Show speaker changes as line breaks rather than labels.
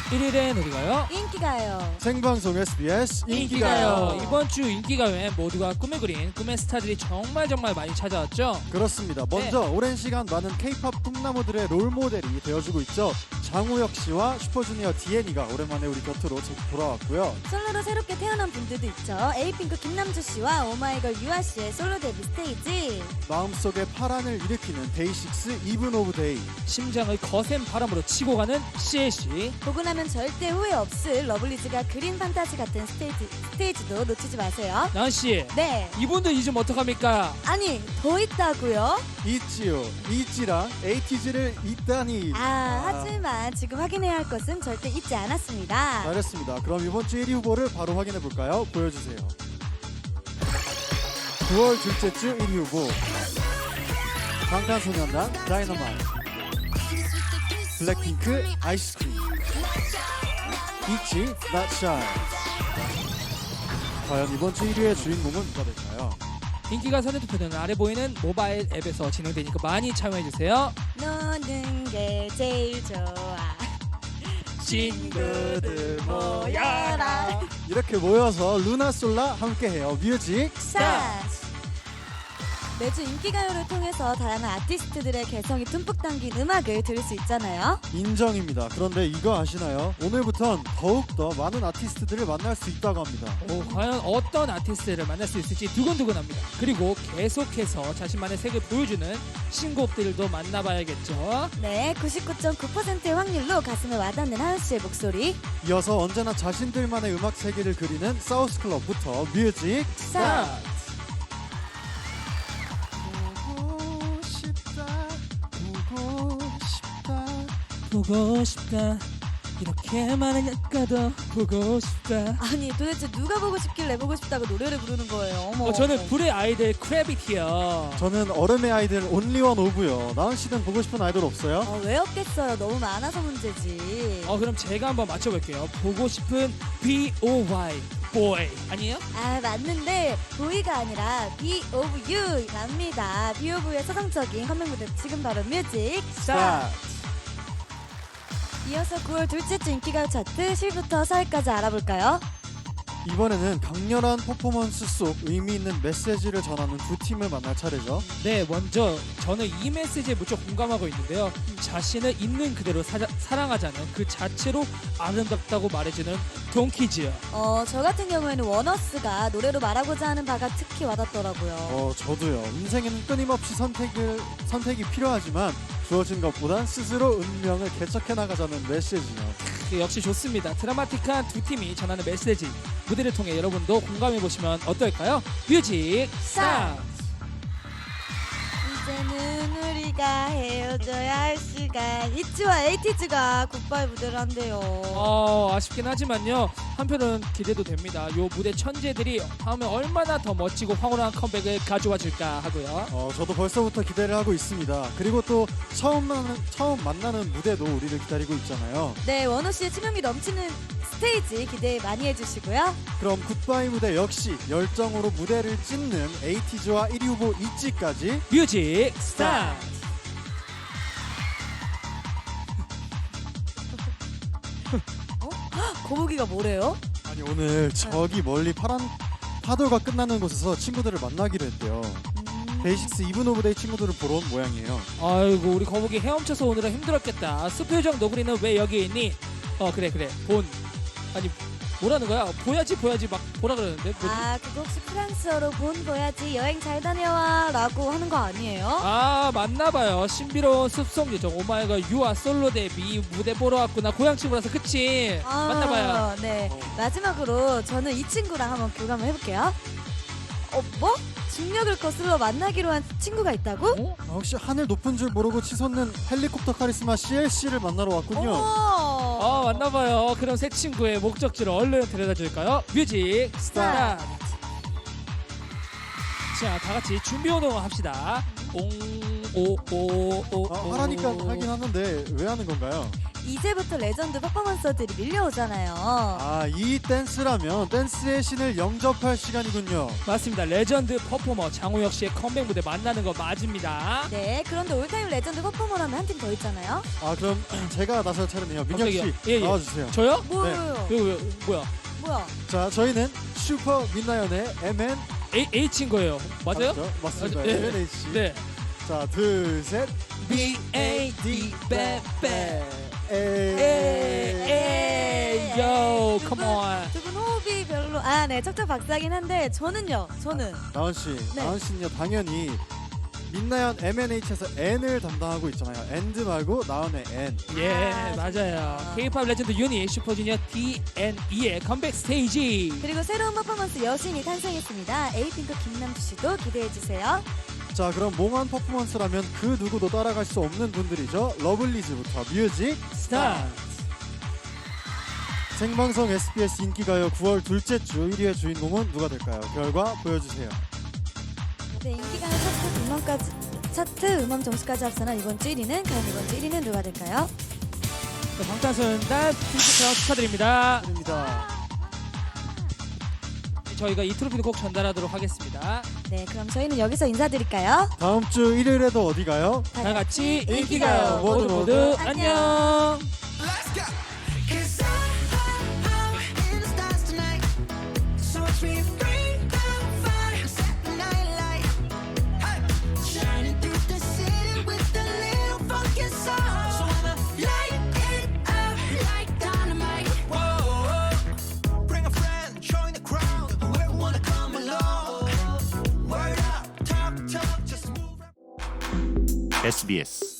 1일엔 어디가요?
인기가요.
생방송 SBS 인기가요.
이번 주 인기가요엔 모두가 꿈을 그린 꿈의 스타들이 정말 많이 찾아왔죠.
그렇습니다. 먼저 오랜 시간 많은 K-팝 꿈나무들의 롤모델이 되어주고 있죠. 장우혁 씨와 슈퍼주니어 DN이가 오랜만에 우리 곁으로 돌아왔고요.
솔로로 새롭게 태어난 분들도 있죠. 에이핑크 김남주 씨와 오마이걸 유아 씨의 솔로 데뷔 스테이지.
마음속에 파란을 일으키는 데이식스 이븐 오브 데이.
심장을 거센 바람으로 치고 가는 CLC.
보고 나면 절대 후회 없을 러블리즈가 그린 판타지 같은 스테이지도 놓치지 마세요.
나은씨,
네.
이분들 잊으면 어떡합니까?
아니 더 있다고요?
있지요. 있지랑 에이티즈를 있다니.
하지만 지금 확인해야 할 것은 절대 잊지 않았습니다.
잘했습니다. 그럼 이번 주 1위 후보를 바로 확인해 볼까요? 보여주세요. 9월 둘째 주 1위 후보 방탄소년단 다이너마이트, 블랙핑크 아이스크림, 있지 Not Shy. 과연 이번 주 1위의 주인공은 누가 될까요?
인기가 선의 투표는 아래 보이는 모바일 앱에서 진행되니까 많이 참여해주세요.
노는 게 제일 좋아.
친구들
모여라.
이렇게 모여서 루나솔라 함께해요. 뮤직
스타트. 매주 인기가요를 통해서 다양한 아티스트들의 개성이 듬뿍 담긴 음악을 들을 수 있잖아요.
인정입니다. 그런데 이거 아시나요? 오늘부턴 더욱더 많은 아티스트들을 만날 수 있다고 합니다.
과연 어떤 아티스트를 만날 수 있을지 두근두근합니다. 그리고 계속해서 자신만의 색을 보여주는 신곡들도 만나봐야겠죠.
네, 99.9%의 확률로 가슴에 와닿는 하은 씨의 목소리.
이어서 언제나 자신들만의 음악 세계를 그리는 사우스클럽부터 뮤직
스타트! 보고 싶다. 이렇게 많은 약가도 보고 싶다.
아니 도대체 누가 보고 싶길래 보고 싶다고 노래를 부르는 거예요? 어머.
저는 불의 아이들 크래비티요.
저는 얼음의 아이들 온리원 오브요. 나은 씨는 보고 싶은 아이돌 없어요?
왜 없겠어요? 너무 많아서 문제지.
그럼 제가 한번 맞춰볼게요. 보고 싶은 B.O.Y. boy 아니에요?
맞는데 보이가 아니라 B of U랍니다. B of U의 서정적인 컴백 무대 지금 바로 뮤직
스타트!
이어서 9월 둘째 주 인기가요 차트 10위부터 4위까지 알아볼까요?
이번에는 강렬한 퍼포먼스 속 의미 있는 메시지를 전하는 두 팀을 만날 차례죠.
네, 먼저 저는 이 메시지에 무척 공감하고 있는데요. 자신을 있는 그대로 사랑하자는 그 자체로 아름답다고 말해주는 동키즈.
저 같은 경우에는 원어스가 노래로 말하고자 하는 바가 특히 와닿더라고요.
저도요. 인생에는 끊임없이 선택이 필요하지만 주어진 것보단 스스로 운명을 개척해 나가자는 메시지요.
역시 좋습니다. 드라마틱한 두 팀이 전하는 메시지 무대를 통해 여러분도 공감해보시면 어떨까요? 뮤직 스타트!
이제는 우리가 헤어져야 할 시간. 이치와 에이티즈가 굿바이 무대를 한대요.
아쉽긴 하지만요. 한편은 기대도 됩니다. 요 무대 천재들이 다음에 얼마나 더 멋지고 황홀한 컴백을 가져와 줄까 하고요.
저도 벌써부터 기대를 하고 있습니다. 그리고 또 처음 만나는 무대도 우리를 기다리고 있잖아요.
네, 원호 씨의 치명이 넘치는 스테이지 기대 많이 해주시고요.
그럼 굿바이 무대 역시 열정으로 무대를 찢는 에이티즈와 1위 후보 있지까지
뮤직 스타트!
거북이가 뭐래요?
아니 오늘 저기 멀리 파란 파도가 끝나는 곳에서 친구들을 만나기로 했대요. 데이식스 이븐 오브 데이 친구들을 보러 온 모양이에요.
아이고 우리 거북이 헤엄쳐서 오느라 힘들었겠다. 수표정 너구리는 왜 여기 있니? 그래 아니 뭐라는 거야? 보야지 막 보라 그러는데 뭐지?
그거 혹시 프랑스어로 본 보야지 여행 잘 다녀와 라고 하는 거 아니에요?
맞나봐요. 신비로운 숲속 요정 오마이걸 유아 솔로 데뷔 무대 보러 왔구나. 고향 친구라서 그치? 맞나봐요.
네. 마지막으로 저는 이 친구랑 한번 교감을 해볼게요. 뭐? 중력을 거슬러 만나기로 한 친구가 있다고?
혹시 하늘 높은 줄 모르고 치솟는 헬리콥터 카리스마 CLC를 만나러 왔군요.
맞나봐요. 그럼 새 친구의 목적지를 얼른 데려다 줄까요? 뮤직 스타트! 자, 다 같이 준비 운동을 합시다.
하라니까 하긴 하는데 왜 하는 건가요?
이제부터 레전드 퍼포먼서들이 밀려오잖아요.
이 댄스라면 댄스의 신을 영접할 시간이군요.
맞습니다. 레전드 퍼포머 장우혁 씨의 컴백 무대 만나는 거 맞습니다.
네, 그런데 올타임 레전드 퍼포머라면 한 팀 더 있잖아요.
그럼 제가 나설 차례네요. 민혁 씨
갑자기요? 예, 예.
나와주세요.
저요?
뭐예요?
이거 뭐야?
뭐야?
자, 저희는 슈퍼 민나연의 MN
H인 거예요. 맞아요?
맞습니다.
네.
MNH.
네.
자, 둘, 셋.
B.A.D. 베베.
에이.
요, 컴온.
두 분 호흡이 별로 네, 척척박사긴 한데 저는
나원 씨,
네.
나원 씨는요 당연히 민나연 MNH에서 N을 담당하고 있잖아요. 엔드 말고 나원의 N.
예,
아,
맞아요.
좋네요.
K-pop 레전드 유닛 슈퍼주니어 DNE의 컴백 스테이지.
그리고 새로운 퍼포먼스 여신이 탄생했습니다. 에이핑크 김남주 씨도 기대해 주세요.
자, 그럼 몽환 퍼포먼스라면 그 누구도 따라갈 수 없는 분들이죠. 러블리즈부터 뮤직
스타트.
생방송 SBS 인기가요 9월 둘째 주 1위의 주인공은 누가 될까요? 결과 보여주세요.
네, 인기가요 차트 음원 점수까지 합산한 이번 주 1위는 과연 이번 주 1위는 누가 될까요?
방탄소년단 핑크처럼 축하드립니다.
드립니다.
저희가 이 트로피도 꼭 전달하도록 하겠습니다.
네, 그럼 저희는 여기서 인사드릴까요?
다음 주 일요일에도 어디 가요?
다 같이
인기가요.
인기가요. 모두
모두
모두
안녕.
안녕.
Let's go. 'Cause I'm in the stars tonight. So watch me bring the fire, set the night light. Hey. Shining through the city with a little funky soul. So I'ma light it up like dynamite. Whoa. Bring a friend, join the crowd. Whoever wanna come along. Word up, talk, just move.
SBS